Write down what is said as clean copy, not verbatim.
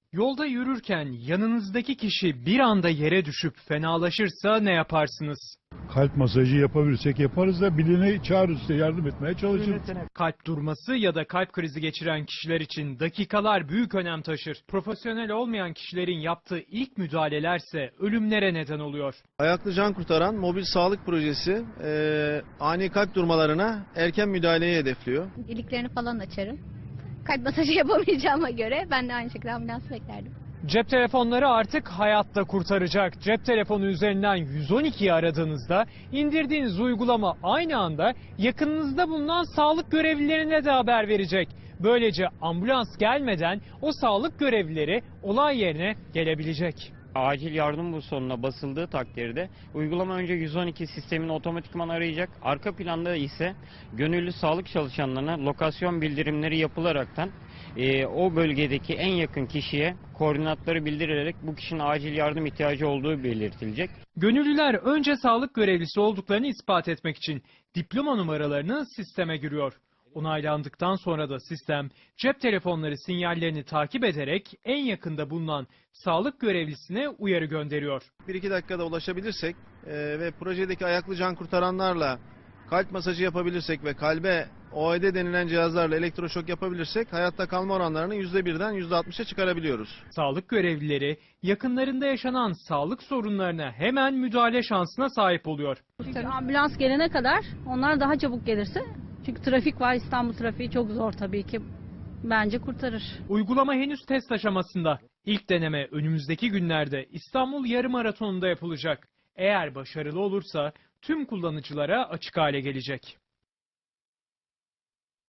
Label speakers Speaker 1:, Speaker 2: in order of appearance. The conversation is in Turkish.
Speaker 1: Yolda yürürken yanınızdaki kişi bir anda yere düşüp fenalaşırsa ne yaparsınız?
Speaker 2: Kalp masajı yapabilirsek yaparız da birini çağırırız, size yardım etmeye çalışırız.
Speaker 1: Kalp durması ya da kalp krizi geçiren kişiler için dakikalar büyük önem taşır. Profesyonel olmayan kişilerin yaptığı ilk müdahalelerse ölümlere neden oluyor.
Speaker 3: Ayaklı Can Kurtaran mobil sağlık projesi ani kalp durmalarına erken müdahaleyi hedefliyor.
Speaker 4: İliklerini falan açarım. Kalp masajı yapamayacağıma göre ben de aynı şekilde ambulans beklerdim.
Speaker 1: Cep telefonları artık hayatta kurtaracak. Cep telefonu üzerinden 112'yi aradığınızda indirdiğiniz uygulama aynı anda yakınınızda bulunan sağlık görevlilerine de haber verecek. Böylece ambulans gelmeden o sağlık görevlileri olay yerine gelebilecek.
Speaker 5: Acil yardım butonuna basıldığı takdirde uygulama önce 112 sistemini otomatikman arayacak. Arka planda ise gönüllü sağlık çalışanlarına lokasyon bildirimleri yapılaraktan o bölgedeki en yakın kişiye koordinatları bildirilerek bu kişinin acil yardım ihtiyacı olduğu belirtilecek.
Speaker 1: Gönüllüler önce sağlık görevlisi olduklarını ispat etmek için diploma numaralarını sisteme giriyor. Onaylandıktan sonra da sistem cep telefonları sinyallerini takip ederek en yakında bulunan sağlık görevlisine uyarı gönderiyor.
Speaker 3: 1-2 dakikada ulaşabilirsek ve projedeki ayaklı can kurtaranlarla kalp masajı yapabilirsek ve kalbe OED denilen cihazlarla elektroşok yapabilirsek hayatta kalma oranlarını %1'den %60'a çıkarabiliyoruz.
Speaker 1: Sağlık görevlileri yakınlarında yaşanan sağlık sorunlarına hemen müdahale şansına sahip oluyor.
Speaker 6: Çünkü ambulans gelene kadar onlar daha çabuk gelirse, çünkü trafik var, İstanbul trafiği çok zor tabii ki, bence kurtarır.
Speaker 1: Uygulama henüz test aşamasında. İlk deneme önümüzdeki günlerde İstanbul Yarımaraton'unda yapılacak. Eğer başarılı olursa tüm kullanıcılara açık hale gelecek.